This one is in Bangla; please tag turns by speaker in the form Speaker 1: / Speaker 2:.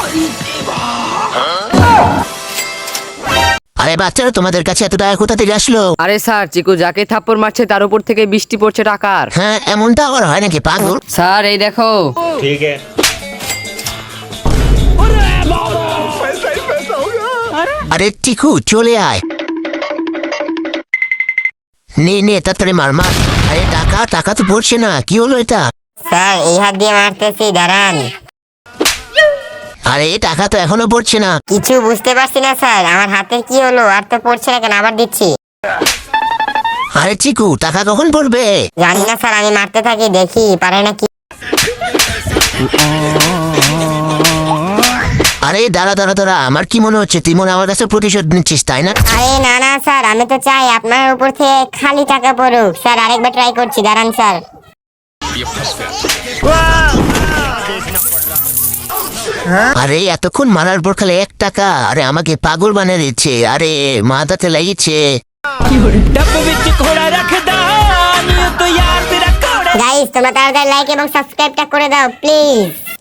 Speaker 1: আরে বাচ্চারা, তোমাদের কাছে এত টাকা কোথা থেকে আসলো?
Speaker 2: আরে স্যার, চিকু যাকে থাপ্পড় মারছে তার উপর থেকে বৃষ্টি পড়ছে টাকার।
Speaker 1: হ্যাঁ, এমনটা আবার হয় নাকি পাগল?
Speaker 2: স্যার এই দেখো।
Speaker 3: ठीक है।
Speaker 1: আরে টিকু, চলে আয়। নে তাড়াতাড়ি মার। আরে টাকা তো পড়ছে না, কি হলো এটা?
Speaker 4: স্যার এই হাত দিয়ে মারতেছি, দাঁড়ান।
Speaker 1: আরে টাকা তো এখনো পড়ছে না।
Speaker 4: কিছু বুঝতে পারছি না স্যার, আমার হাতের কি হলো? আর তো পড়ছে না কেন? আবার দিচ্ছি।
Speaker 1: আরে চিকু, টাকা কখন পড়বে?
Speaker 4: জানি না স্যার, আমি মারতে থাকি, দেখি পারে নাকি।
Speaker 1: আরে দাঁড়া, আমার কি মনে হচ্ছে তুই মনে আমার কাছে প্রতিশোধ নিচ্ছিস, তাই না?
Speaker 4: আরে না না স্যার, আমি তো চাই আপনার উপর থেকে খালি টাকা পড়ুক। স্যার আরেকবার ট্রাই করছি, দাঁড়ান স্যার।
Speaker 1: আরে এতক্ষণ মারার পর খালি 1 টাকা? আরে আমাকে পাগল বানিয়ে দিচ্ছে। আরে মাথাতে লাগিয়েছে।
Speaker 4: গাইস তোমরা তাড়াতাড়ি লাইক এবং সাবস্ক্রাইবটা করে দাও প্লিজ।